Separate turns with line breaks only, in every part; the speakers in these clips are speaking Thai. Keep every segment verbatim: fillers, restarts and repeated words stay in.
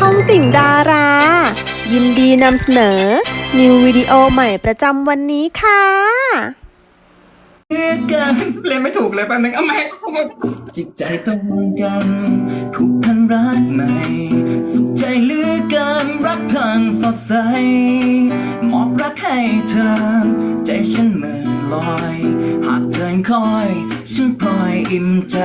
องติ่งดารา ยินดีนำเสนอ นิววิดีโอใหม่ประจำวันนี้ค่ะ
เกันเล่นไม่ถูกเลยแป๊บนึงเอาไหมจิตใจตรงกันผูกพันรักใหม่สุขใจเหลือเกินรักพลังสดใสมอบรักให้เธอใจฉันเมื่อลอยหากเธอคอยฉันพลอยอิ่มใจ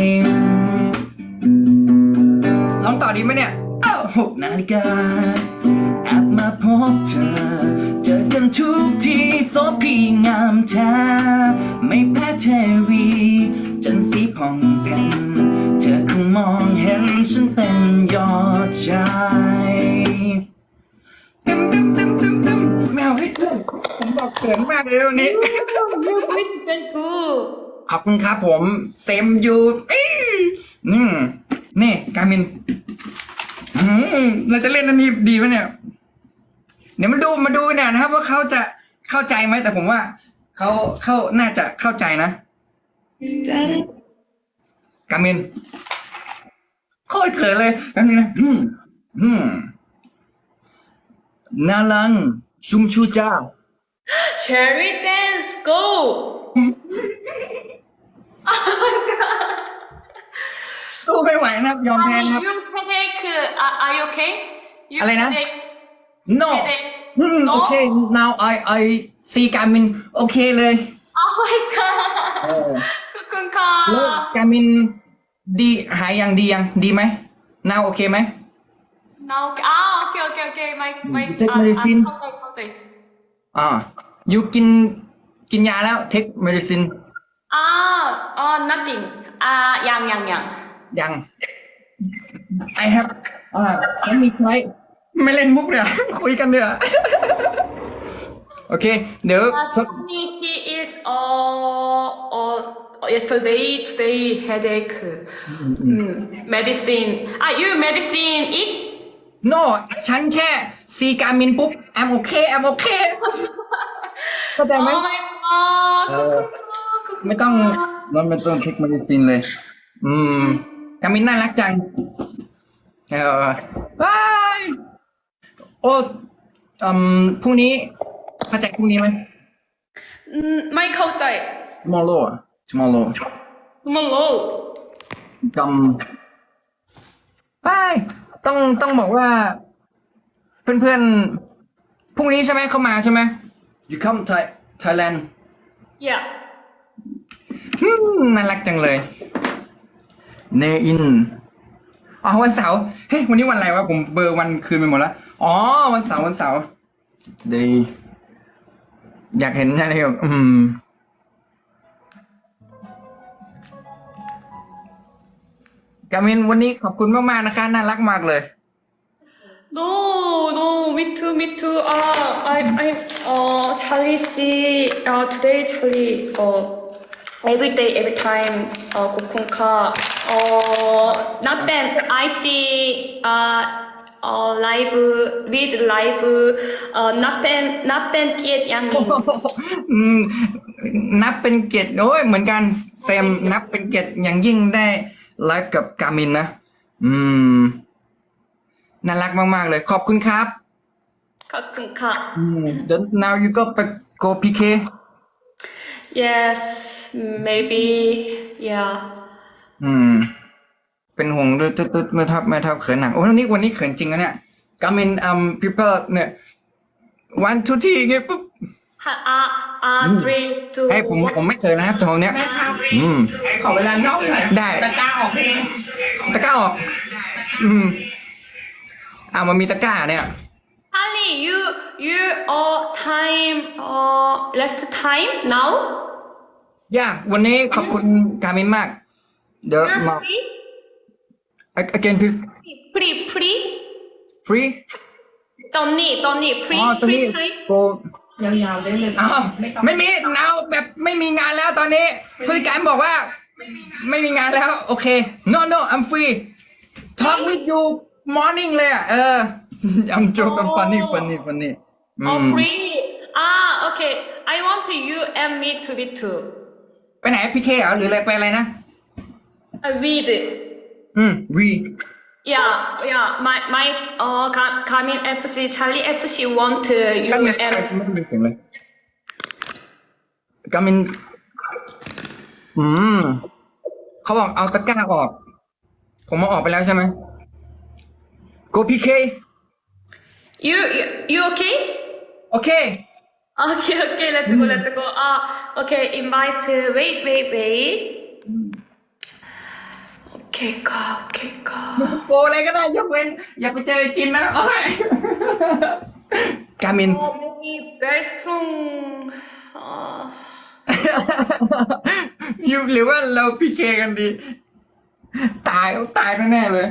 ลองต่อดีไหมเนี่ยเอ้าหกนาฬิกาแอบมาพบเธอเจอกันทุกทีโสพีงามแท้ไม่แพ้เทวีจันทร์สีผ่องเป็นเธอคงมองเห็นฉันเป็นยอดชายตึมตึมตึมตึมตึมแมวให้ผมบอกเขินมากเลยวันนี้
Your voice is very good.
ขอบคุณครับผมเซมยูอื้อนี่นี่การมินอืมเราจะเล่นอันนี้ดีไหมเนี่ยเดี๋ยวมาดูมาดูเนี่ยนะครับว่าเขาจะเข้าใจไหมแต่ผมว่าเขาเขาน่าจะเข้าใจนะการมินโคตรเขินเลยการมินนะอืมอืมนาลังชุมชูจ้า
Shall we dance? Go. Oh my god.
สู้ไม่ไหวนะครับยอมแพ้
Mommy,
นะครับ
you headache. Are, are you okay? You
อะไรนะ
headache.
no
headache.
อืม
No?
โอเค now I I see การมินโอเคเลย
Oh my
เอ
god.
อ
ขอบคุณค่ะ
แล้วการมินดีหายยังดียังดีไหม now โอเคไหม
No, okay. Ah, okay, okay, okay. My, my.
You take
uh,
medicine?
uh,เข้าใจเข้าใจ
อ่า you กินกินยาแล้ว take medicine
อ่าอ๋อ nothing. อ่ายังยังยัง
ยัง I have อ่าฉันมีใช้ไม่เล่นมุกเนี่ย คุยกันเดี๋ยว โอเค เดี๋ยว สัก
Sunny, he is uh, uh yesterday today headache. Mm, medicine. Ah, you medicine eat?
no ฉันแค่ซีการมินปุ๊บ I'm okay I'm okay เข้าใจไหม
Oh my god.
เออ
ขอบคุณค่ะขอบคุณ
ไม่ต้อง
ค่ะ
เราไม่ต้องเช็ค medicine เลย อืมการมินน่ารักจังเออบายโอ้อืมพรุ่งนี้เข้าใจพรุ่งนี้ไหม
อืมไม่เข้าใจ
tomorrow อะ tomorrow
มันโล
จำไปต้องต้องบอกว่า เพื่อนๆพรุ่งนี้ใช่ไหมเข้ามาใช่ไหม you come Thai Thailand
yeah
อืมน่ารักจังเลยเนอินอ๋อวันเสาร์เฮ้ยวันนี้วันอะไรวะผมเบอร์วันคืนไปหมดแล้วอ๋อวันเสาร์วันเสาร์ดีอยากเห็นอะไรแบบอืมกามินวันนี้ขอบคุณมากๆนะคะน่ารักมากเลย
no no me too me too uh I I uh Charlie see uh today Charlie uh every day every time uh ขอบคุณค่ะ uh not bad I see uh uh live with live uh not bad not bad เกียรติยังนี่
อืมนับเป็นเกียรติโอ้ยเหมือนกันเซมนับเป็นเกียรติอย่างยิ่งได้ไลฟ์กับกามินนะอืมน่ารักมากๆเลยขอบคุณครับ
ขอบคุณค่ะ
อืม then now you go ไป go พี เค
yes maybe yeah
อืม เป็นห่วงด้วยตึ๊ดตึ๊ดไม่ทับไม่ทับเขินหนักโอ้ยวันนี้วันนี้เขินจริงนะเนี่ยกามินอืม people เนี่ย one two three อย่างเงี้ยปุ๊บ
อ่าอ่า three two
ให้ผมผมไม่เคยนะครับตรงเนี้ย อืม
ขอเวลานอกหน่อย
ได้
ตะกร้าออกเพลง
ตะกร้าออก อืมอ่ามันมีตะกร้าเนี่ย
Ali, you you uh time uh last time now?
ย่าวันนี้ขอบคุณกามินมาก เดี๋ยว
You're
มา
free?
again please
Free, free?
free
Don't need, don't need.
อ๋
Free,
อตรงนี้
free, free.
go
ยาวๆได้เลย
อ้าว
ไม่ต้อง
ไม่มีเอาแบบไม่มีงานแล้วตอนนี้ผู้จัดการบอกว่า ไม่มีงานแล้ว โอเค no no I'm free talk with you morning เลยอ่ะเออ I'm joking funny funny funny อื
Oh,
ม
free. Ah, okay. I want you and me to be two.
ไปไหนพีเคเหรอหรืออะไรไปอะไรนะ
I read.
อืม we
yeah yeah my my uh Ga- Garmin เอฟ ซี Charlie เอฟ ซี want you
กามิน
and
ไม่ได้ยินเสียงเลยกามินอืมเขาบอกเอาตะกร้าออก ผมมาออกไปแล้วใช่ไหม Go พี เค
you you you okay
โอเค
okay okay let's go let's go ah okay invite wait wait wait okay ค่ะ okay ค่ะ
โกอะไรก็ได้ยกเว้น อย่าไปเจอจินนะโอเคกามิน
oh maybe very strong uh,
ยูหรือว่าเราพีเคกันดี ตายตายแน่ๆเลย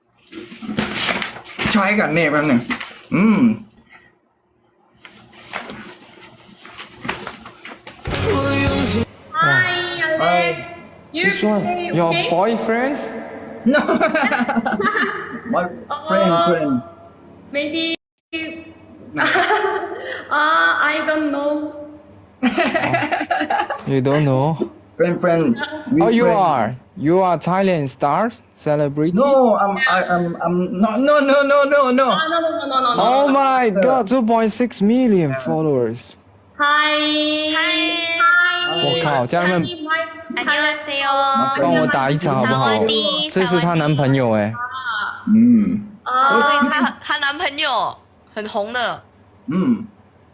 ช้อยก่อนเนี่ยแป๊บหนึ่งอืม
hi Alex you
This one,
okay,
your
okay?
boyfriend?
no my friend friend
maybe ah I don't know
You don't know?
friend friend we
Oh, you
friend.
are. You are Thailand star celebrity.
no I'm I, I'm I'm not no no no no no
ah, no no no no no no
Oh my God, two point six million followers.
hi hi
我靠，家人们
my
안녕하세요.
帮我打一场好不好？这是她男朋友哎。
嗯
啊
对，她她男朋友很红的，
嗯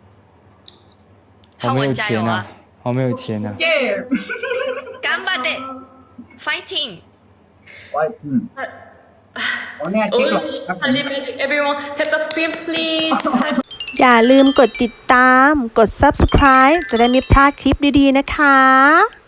好没有
浩文加油
钱啊
啊！！
好没有钱啊！
耶
干巴的，fighting！
ไว้อืมอ๋อเนี่ยติ๊กหรอก
only
ครับผม
Charlie Magic everyone tap the screen please
อย่าลืมกดติดตาม กด ซับสไครบ์ จะได้ไม่พลาดคลิปดีๆนะคะ